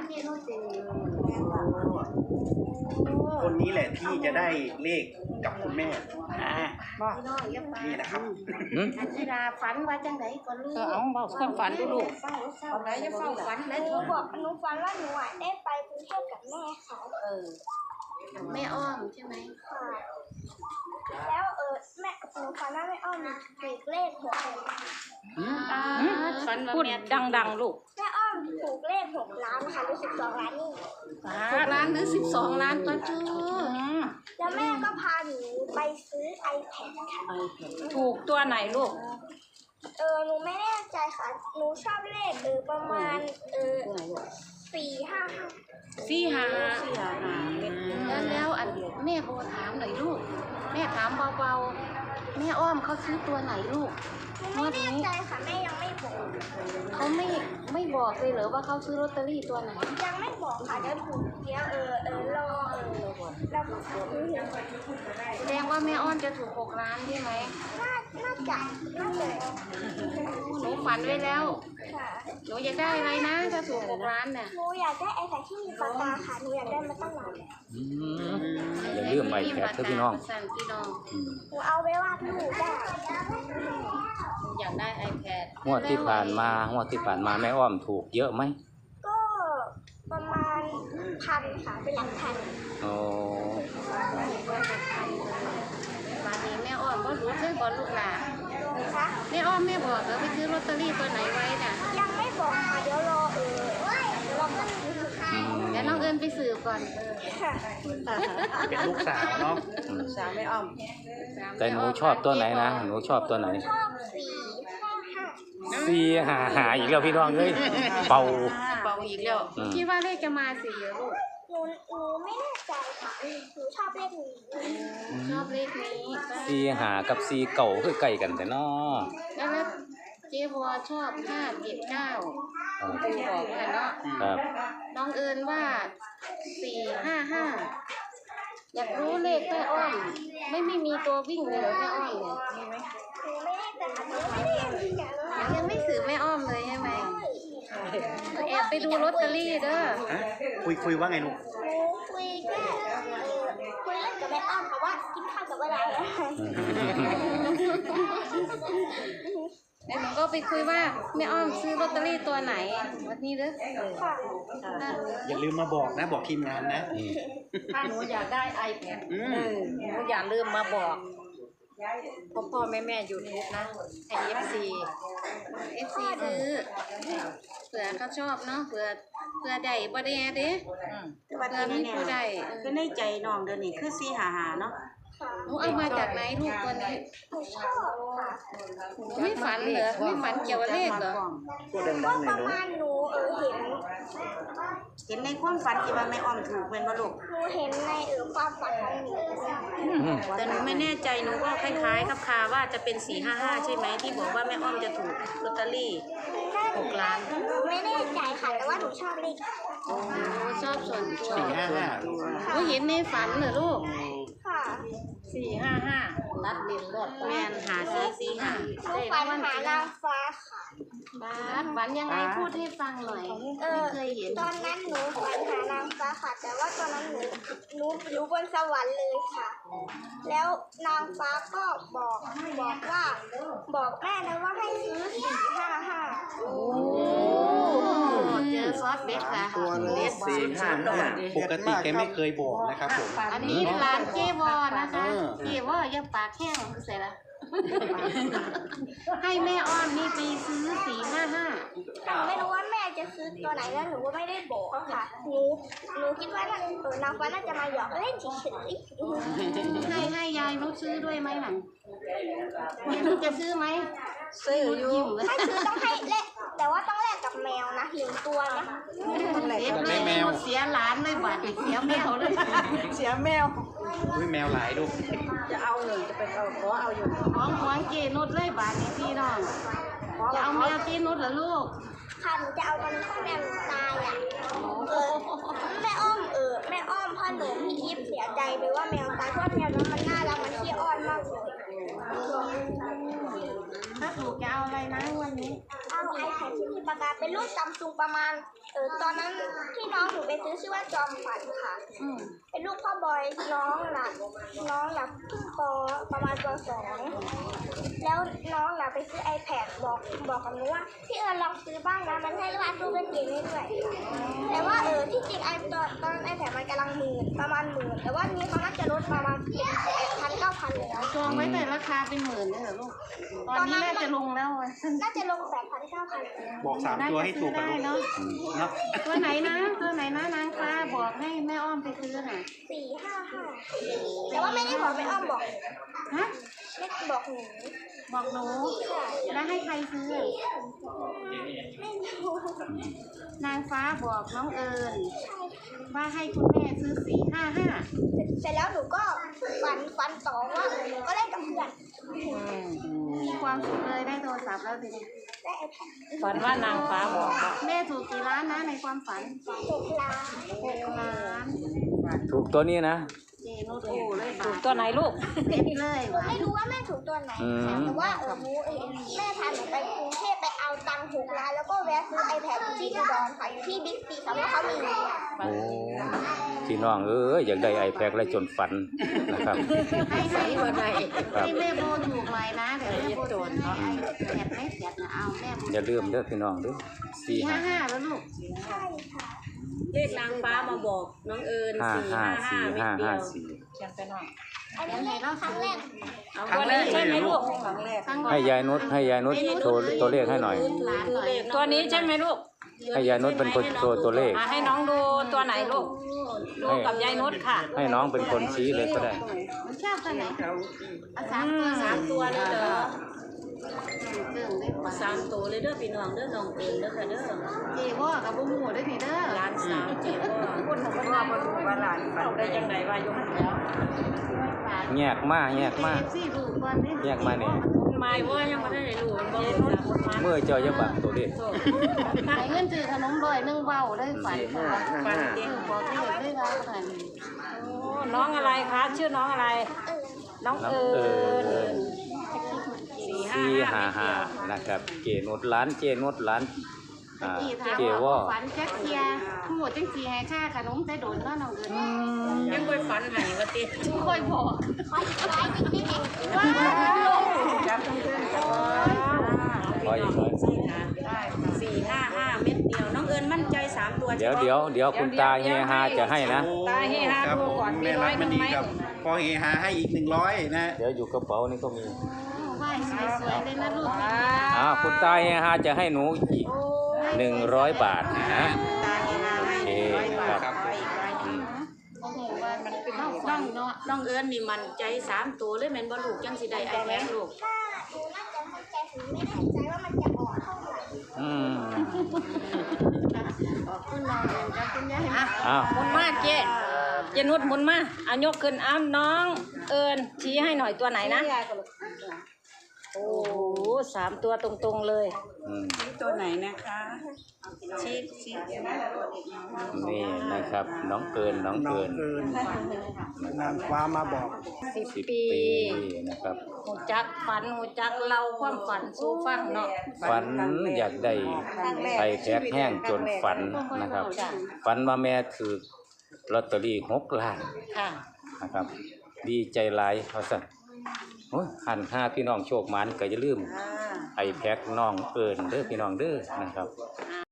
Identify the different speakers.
Speaker 1: เจนุชเป็น
Speaker 2: คนนี้แหละที่จะได้เลขกับคุณแม่
Speaker 1: พี่น้องอย่าไป
Speaker 2: นี่นะครับ
Speaker 1: อันที่ดาฝันว่าจังไดก็รู้
Speaker 3: เอาบอกความฝันดูลูก
Speaker 1: ฝันไหนจะเฝ้าฝันแล้วหนูบอกหนูฝันว่าหนูได้ไปกรุงเทพกับแม่ค่ะแม่อ้อมใช่ไหมค่ะแล้วแม่หนูฝันว่าแม่อ้อมถูกเลข6
Speaker 3: พูดดังๆลูก
Speaker 1: แม่อ้อมถูกเลข6 ล้านค่ะหรือ12 ล้านนี่
Speaker 3: 6 ล้านหรือ12 ล้านก็ชื่อ
Speaker 1: แล้วแม่ก็พาหนูไปซื้อ iPad ค่ะ
Speaker 3: ถูกตัวไหนลูก
Speaker 1: หนูไม่แน่ใจค่ะหนูชอบเลขประมาณ455แล้วอันแม่โบถามหน่อยลูกแม่ถามเบาๆแม่อ้อมเขาซื้อตัวไหนลูกไม่แน่ใจค่ะแม่ยังไม่บอกเขาไม่บอกเลยเหรอว่าเขาซื้อลอตเตอรี่ตัวไหนยังไม่บอกค่ะเดี๋ยวถูกเดี๋ยวรอเราแสดงว่าแม่อ้อมจะถูก6 ล้านใช่ไหมน่าจะหนูฝันไว้แล้วหนูอยากได้อะไรนะถ้าถูก6 ล้านเนี่ยหนูอยากได้ไอ้แต่ที่มีปากกาค่ะหนูอยากได้มาตั้งนาน
Speaker 4: อย่าลืมไอแพดพี่น้อง
Speaker 1: หนูเอาไว้วาดรูปได้
Speaker 3: อยากได้ iPad
Speaker 4: งวดที่ผ่านมาแม่อ้อมถูกเยอะไหม
Speaker 1: ก็ประมาณ1,000ค่ะเป็นหลักพัน
Speaker 4: โอ้
Speaker 1: มาดีแม่อ้อมก็รู้ใช่บอลลูกหลานแม่อ้อมแม่บอกแล้วไปซื้อลอตเตอรี่ตัวไหนไว้น่ะยังไม่บอกค่ะเดี๋ยวรอแล้วน้องเอิญไปสืบก่อน
Speaker 2: เป็นลูกสาวเนาะ
Speaker 3: สาวแม่อ้อม
Speaker 4: แต่หนูชอบตัวไหนนะหนูชอบตัวไหน
Speaker 1: ชอบ
Speaker 4: 455อีกแล้วพี่น้องเอ้ยเป่า
Speaker 3: อีกแล้ว
Speaker 1: คิดว่าเลขจะมา4เหรอลูกหนูไม่แน่ใจค่ะหนูชอบเลขนี้
Speaker 4: 4-5กับ4เก่าคือใกล้กันแต่น้อ
Speaker 1: แล้วเจ๊บัวชอบ579คุณบอกว่าเนาะ
Speaker 4: ครับ
Speaker 1: น้องเอิญว่า455อยากรู้เลขแม่อ้อมไม่มีตัววิ่งเลยเหรอแม่อ้อมเนี่ยมีไหมยังไม่สืบแม่อ้อมเลยใช่ไหมแอบไปดูลอตเตอรี่เด้อ
Speaker 2: คุยว่าไงลูก
Speaker 1: คุยเล่นกับแม่อ้อมค่ะว่ากินข้าวกับอะไรแล้วหนูก็ไปคุยว่าแม่อ้อมซื้อลอตเตอรี่ตัวไหนวันนี้เด้อ
Speaker 2: อย่าลืมมาบอกนะบอกทีมงานนะ
Speaker 3: ถ้าหนูอยากได้ iPad หนูอย่าลืมมาบอกพ่อแม่ยูทูบนะให้ FC
Speaker 1: ซื้อเผื่อเขาชอบเนาะเผื่อได้บ่ได้เด้
Speaker 3: เผื่อมีผู้ใดคือในใจน้องเดี๋ยวนี้คือ455เนาะ
Speaker 1: หนูเอามาจากไหนลูกตัวนี้ไม่ฝันเหรอไม่ฝันเกี่ยวกับเลขเหรอก็ประมาณหนู
Speaker 3: เห็นในความฝันที่ว่าแม่อ้อมถูกเป็นบ่ลูก
Speaker 1: หนูเห็นในความฝันของหนู
Speaker 3: แต่หนูไม่แน่ใจหนูก็คล้ายๆครับค่ะว่าจะเป็น455ใช่ไหมที่บอกว่าแม่อ้อมจะถูกลอตเตอรี่6 ล้าน
Speaker 1: ไม่แน่ใจค่ะแต่ว่าหนูชอบเลขชอบส่วนตัว
Speaker 2: 455
Speaker 1: หนูเห็นในฝันเหรอลูกค่ะ
Speaker 3: 455นัดเรียนรถแม่นหา445
Speaker 1: ได้ฝันหานางฟ้าค่ะฝันยังไงพูดให้ฟังหน่อยไม่เคยเห็นตอนนั้นหนูฝันหานางฟ้าค่ะแต่ว่าตอนนั้นหนูอยู่บนสวรรค์เลยค่ะแล้วนางฟ้าก็บอกว่าบอกแม่นะว่าให้ซื้อ455เจอซอสเบ็ดค่ะ
Speaker 2: ตัวเลข455ปกติแกไม่เคยบอกนะครับผม
Speaker 1: อันนี้ร้านเจวอนะคะเจวอยังปากแห้งเสร็จแล้วให้แม่อ้อมนี่ไปซื้อ455ไม่รู้ว่าแม่จะซื้อตัวไหนแล้วหนูก็ไม่ได้บอกค่ะหนูคิดว่านางฟ้าน่าจะมาหยอกเล่นเฉยๆให้ยายนุชซื้อด้วยไหมหนังยายนุชจะซื้อไหม
Speaker 3: ซื้ออยู่
Speaker 1: ถ้าซื้อต้องให้เละแต่ว่าต้องแลกกับแมวนะ1 ตัวนะ
Speaker 2: แมว
Speaker 1: เสียหลานเลยบาดเสียแมวเลย
Speaker 3: เสียแมว
Speaker 2: แมวหลายลูก
Speaker 3: จะเอาหนึ่งจะไปขอเอาอยู่
Speaker 1: ของเจนุชเลยบาดนี้พี่น้องจะเอาแมวเจนุชเหรอลูกค่ะหนูจะเอาตอนที่แมวตายแม่อ้อมพ่อหนูพี่ยิปเสียใจไปว่าแมวตายเพราะแมวนั้นมันน่ารักมันขี้อ้อนมากเลยถ้าถูกจะเอาอะไรนะวันนี้เอาไอแพดที่มีปาก
Speaker 5: ากาเป็นรุ่นซัมซุงประมาณตอนนั้นที่น้องหนูไปซื้อชื่อว่าจอมฝันค่ะ เป็นลูกพ่อบอยน้องหลับเพิ่งประมาณป .2 แล้วน้องหลับไปซื้อ iPad บอกกับหนูว่าพี่ลองซื้อบ้างนะมันให้วาดรูปเล่นเกมได้ด้วยแต่ว่าที่จริงตอน iPad มันกำลังประมาณหมื่นแต่ว่านี้เขาน่าจะลดประมาณเป็น8,000-9,000แล้ว
Speaker 1: จองไว้แต่ราคาเป็นหมื่นเลยเหรอลูกตอนนี้น่าจะลงแล้วอะ
Speaker 5: น่าจะลง8,000-9,000
Speaker 2: บอก3 ตัวให้ถูกกัน
Speaker 1: ได้
Speaker 2: ลูก
Speaker 1: เนาะ
Speaker 2: เนาะ
Speaker 1: ตัวไหนนะนางฟ้าบอกให้แม่อ้อมไปซื้อน่ะ
Speaker 5: 455แต่ว่าไม่ได้บอกแม่อ้อมบอก
Speaker 1: ฮะ
Speaker 5: ไม่บอกหนู
Speaker 1: บอกหนูแล้วให้ใครซื้อ
Speaker 5: ไม่รู้
Speaker 1: นางฟ้าบอกน้องเอิญว่าให้คุณแม่ซื้อ455
Speaker 5: เสร็จแล้วหนูก็ฝันต่อว่าหนูก็เล่นกับเพื่อน
Speaker 1: มีความสุขเลยได้โทรศัพท์แล้วทีนี้
Speaker 5: ได้ iPad
Speaker 3: ฝันว่านางฟ้าบอกว่า
Speaker 1: แม่ถูกกี่ล้านนะในความฝัน
Speaker 5: 6 ล้าน
Speaker 1: 6 ล้าน
Speaker 4: ถูกตัวนี้นะ
Speaker 1: เจนุชโอ้เลย
Speaker 3: ถู
Speaker 1: บาก ท
Speaker 3: ตัวไหนลูก
Speaker 1: เด็ดเลย
Speaker 5: หนู
Speaker 1: ว่ะ
Speaker 5: ไม่รู้ว่าแม่ถูกตัวไหน
Speaker 4: อืม
Speaker 5: แต่ว่าแม่พาหนูไปกรุงเทพไปเอาตังค์6 ล้านแล้วก็แวะซื้อ iPad อยู่ที่อุดรค่ะอยู่ที่บิ๊กซีค่ะเพราะเขามี
Speaker 4: โอ้พี่น้องอยากได้ไอแพดและจนฝันนะครับ
Speaker 1: ให้
Speaker 3: วันไหน
Speaker 1: ให้แม่โบถูกหน่อยนะเดี๋ยวแม่โบจะให้ไอ้แผดไม่แผดนะเอาแม่โบ
Speaker 4: อย่าลืมเด้อพี่น้องเด้อ
Speaker 1: 455แล้วลูก
Speaker 5: ใช่ค่ะ
Speaker 3: เลขนางฟ้ามาบอกน้องเอิญ 455เม็ดเดียว
Speaker 5: อันนี้เล่นครั้งแรก
Speaker 3: เอาตัวนี้ใช่ไหมลูก
Speaker 4: ให้ยายนุชโชว์ตัวเลขให้หน่อย
Speaker 3: ตัวนี้ใช่ไหมลูก
Speaker 4: ให้ยายนุชเป็นคนโชว์ตัวเลข
Speaker 3: ให้น้องดูตัวไหนลูก ดูกับยายนุชค่ะ
Speaker 4: ให้น้องเป็นคนชี้เลยก็ได้
Speaker 1: มันชอบตัวไหนเอาสามตัว
Speaker 3: 3 ตัวเลยเหรอ
Speaker 1: เกิ่งได้กว่า
Speaker 3: 3 ตัวเลยเด้อพี่น้องเด้อน้องเอิญเด้อค่ะเด้อ
Speaker 1: เจ๊ว่ากับบุ้งหูได้ทีเด้อ
Speaker 3: ร้านสาวเจ็บคนของพ่อมาดูว่าหลานเอาได้ยังไงว่ายกแล้ว
Speaker 4: แยกมา
Speaker 1: ซี่ดูก่อนดิ
Speaker 4: แยกมาเนี่ย
Speaker 3: คุณไม้ว่ายังไม่ได้รู้มันบอกเลยนะคุณไม้
Speaker 4: เมื่อเจ้าจะบังตัวเลข
Speaker 1: ไหนเงินจือขนมบ่อยนึ่งเบาได้ฝันค่ะ
Speaker 3: ฟันเด็ก
Speaker 1: บอกที่เด็กได้แล้วขนาดนี้
Speaker 3: น้องอะไรคะชื่อน้องอะไร น้องเอิญ
Speaker 4: 455นะครับเจนุชร้านเจนุชร้านเจวอ
Speaker 1: ฝันแจ็คเทียทั้งหมดจังสีให้ค่าขนมแต่โดนก็น้องเอิญ
Speaker 3: ยังไปฝันหายว่าติ
Speaker 1: ค่อยบอก
Speaker 5: ขออีกร้อยนิดนิดเอง
Speaker 1: ว้าว
Speaker 3: จับเพื่อนๆกัน
Speaker 4: ร้อยอีกร้อย
Speaker 3: 455 เม็ดเดียว น้องเอิญมั่นใจ3 ตัว
Speaker 4: เดี๋ยวคุณตาเฮียฮาจะให้นะ
Speaker 3: ตาเฮฮา
Speaker 2: ครับ
Speaker 3: ดู
Speaker 2: ผม
Speaker 3: ก่อนมี
Speaker 2: แม่
Speaker 3: ร้
Speaker 2: รั
Speaker 3: อก ยห
Speaker 2: มั
Speaker 3: นึ่
Speaker 2: น
Speaker 3: ง
Speaker 2: ดี
Speaker 3: ไหม
Speaker 2: ครับพอเฮฮาให้อีก100นะ
Speaker 4: เดี๋ยวอยู่กระเป๋านี่ก็มี
Speaker 1: ไหว้สวยๆเลยนะลูก
Speaker 4: คุณตาเฮียฮาจะให้หนูอีก100 บาทนะ
Speaker 3: ตาเฮฮาให้
Speaker 4: โอเค
Speaker 3: 100 บาท
Speaker 4: ครับ
Speaker 3: ขออีกร้อยหนึ่ง
Speaker 1: โอ้โหว่ามันเป็นน้องเนาะ
Speaker 3: น้องเอิญนี่มั่นใจ3 ตัวเลยแม่นบ่ลูกจังสิได้ไอแพดลูก
Speaker 5: ถ้าหนูน่าจะมั่นใจหนูไม่แน่ใจว่ามันจะออกเท่าไหร่
Speaker 4: อืม
Speaker 1: ขอบคุณน้องเอิญกับคุณยาย
Speaker 4: อ้าว
Speaker 3: หมุนมาเจ๊นุชหมุนมาเอายกขึ้นเอาน้องเอิญชี้ให้หน่อยตัวไหนนะ โอ้โห3 ตัวตรงๆเลย
Speaker 4: อืม
Speaker 6: ตัวไหนนะคะ
Speaker 3: ชี้
Speaker 4: นี่นะครับ น้องเอิญ
Speaker 2: น้องเอิญนางฟ้ามาบอก
Speaker 4: 10
Speaker 3: ปี
Speaker 4: ปีนะครับ
Speaker 3: หูจักฝันหูจักเล่าความฝันสู้ฟังเนาะ
Speaker 4: ฝันอยากได้ไข่แพกแห้งจนฝันนะครับ ฝันว่าแม่ถือลอตเตอรี่6 ล้าน
Speaker 3: ค่ะ
Speaker 4: นะครับ ดีใจหลายเขาสั่นโอ้ยหันห้าพี่น้องโชคหมันก็อย่าลืมไอแพ็กน้องเอิญเด้อพี่น้องเด้อนะครับ